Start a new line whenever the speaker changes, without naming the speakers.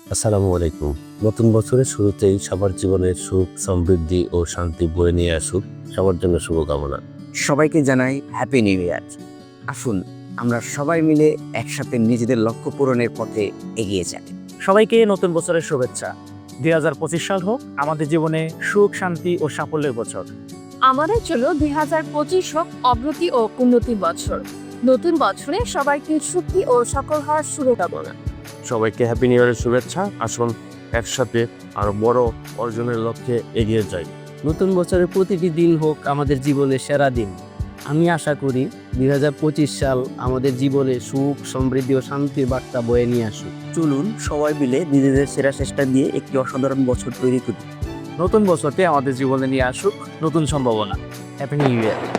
আসসালামু আলাইকুম। নতুন বছরের শুরুতেই সবার জীবনে সুখ, সমৃদ্ধি ও শান্তি বয়ে নিয়ে আসুক। সবার জন্য শুভকামনা।
সবাইকে জানাই হ্যাপি নিউ ইয়ার। আসুন আমরা সবাই মিলে একসাথে নিজেদের লক্ষ্য পূরণের পথে এগিয়ে যাই।
সবাইকে নতুন বছরের শুভেচ্ছা। 2025 সাল হোক আমাদের জীবনে সুখ, শান্তি ও সাফল্যের বছর।
আমাদের জন্য 2025 হোক অগ্রতি ও উন্নতির বছর। নতুন বছরে সবাইকে সুখী ও সফল হওয়ার শুভকামনা।
সবাইকে হ্যাপি নিউ ইয়ারের শুভেচ্ছা। আসুন একসাথে আরো বড় অর্জনের লক্ষ্যে এগিয়ে যাই।
নতুন বছরের প্রতিটি দিন হোক আমাদের জীবনের সেরা দিন। আমি আশা করি 2025 সাল আমাদের জীবনে সুখ, সমৃদ্ধি ও শান্তির বার্তা বয়ে নিয়ে আসুক।
চলুন সবাই মিলে নিজেদের সেরা চেষ্টা দিয়ে একটি অসাধারণ বছর তৈরি করি।
নতুন বছরটি আমাদের জীবনে নিয়ে আসুক নতুন সম্ভাবনা। হ্যাপি নিউ ইয়ার।